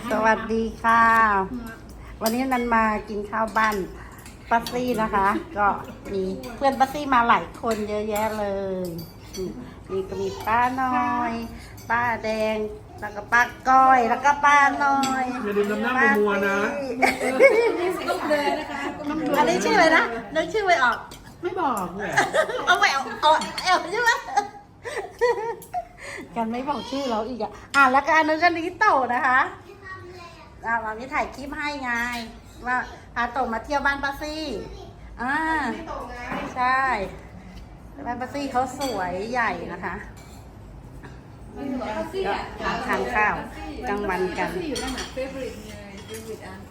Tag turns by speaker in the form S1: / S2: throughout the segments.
S1: สวัสดีค่ะ วันนี้นันมากินข้าวบ้านป้าซี่นะคะ ก็มีเพื่อนป้าซี่มาหลายคนเยอะแยะเลยนี่ก็มีป้าน้อย ป้าแดง แล้วก็ป้าก้อย แล้วก็ป้าน้อย
S2: อย่าลืมน้ำหน้ามัวๆนะ
S3: ต้องเดินนะคะต้องเดิน
S1: อันนี้ชื่ออะไรนะนึกชื่อไม่ออก
S2: ไม่บอกเลย
S1: เอาไปเอาใช่ไหมกันไม่บอกชื่อเราอีกแล้วก็อันนึงก็นิโตะนะคะวันนี้ถ่ายคลิปให้ไงว่าพาโตมาเที่ยวบ้านป้าซี่ใช่บ้านป้าซี่เขาสวยใหญ่นะคะก็ทานข้าวกลางวันกัน
S3: ซี่อยู่นั่นน่ะเฟเวอร์ริตเลยเฟเวอร์ริตอัน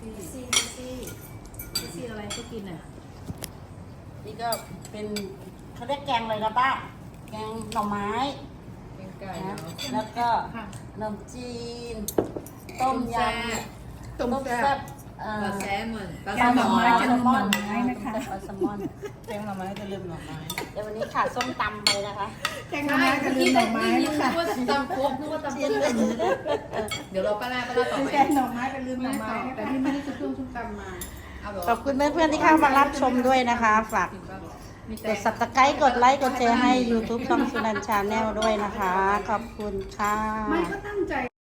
S3: ซี่อะไรก็กินอ่ะ
S1: นี่ก็เป็นเขาเรียกแกงเลยนะป้าแกงหน่อไม้
S3: เป็นไก่
S1: นะแล้วก็ขนมจีน ต้มยำต้มแซ่บ
S3: ปลาแซลมอน
S1: ปลาหน่อไม้จะลืมหน่อไม้นะคะปลาแซลมอน
S4: แกงหน่อไม้จะลืมหน่อไม้
S1: เดี๋ยววันนี้ขาดส้มตำไปนะคะ
S4: แกงหน่อไม้จะลืมหน่อไม้
S3: นึกว่าตำโคกนึกว่าตำเพื่อนเดี๋ยวเราป้าต่อไป
S4: แกงหน่อไม้จะลืมหน่อไม้
S3: แต่ที่ไม่ได้จะเพิ่มส้มตำมา
S1: ขอบคุณเพื่อนๆที่เข้ามารับชมด้วยนะคะ ฝากกด subscribe กดไลค์กดแชร์ให้ YouTube ช่องสุนันท์ Channel ด้วยนะคะ ขอบคุณค่ะ
S4: ไม่ก็ตั้งใจ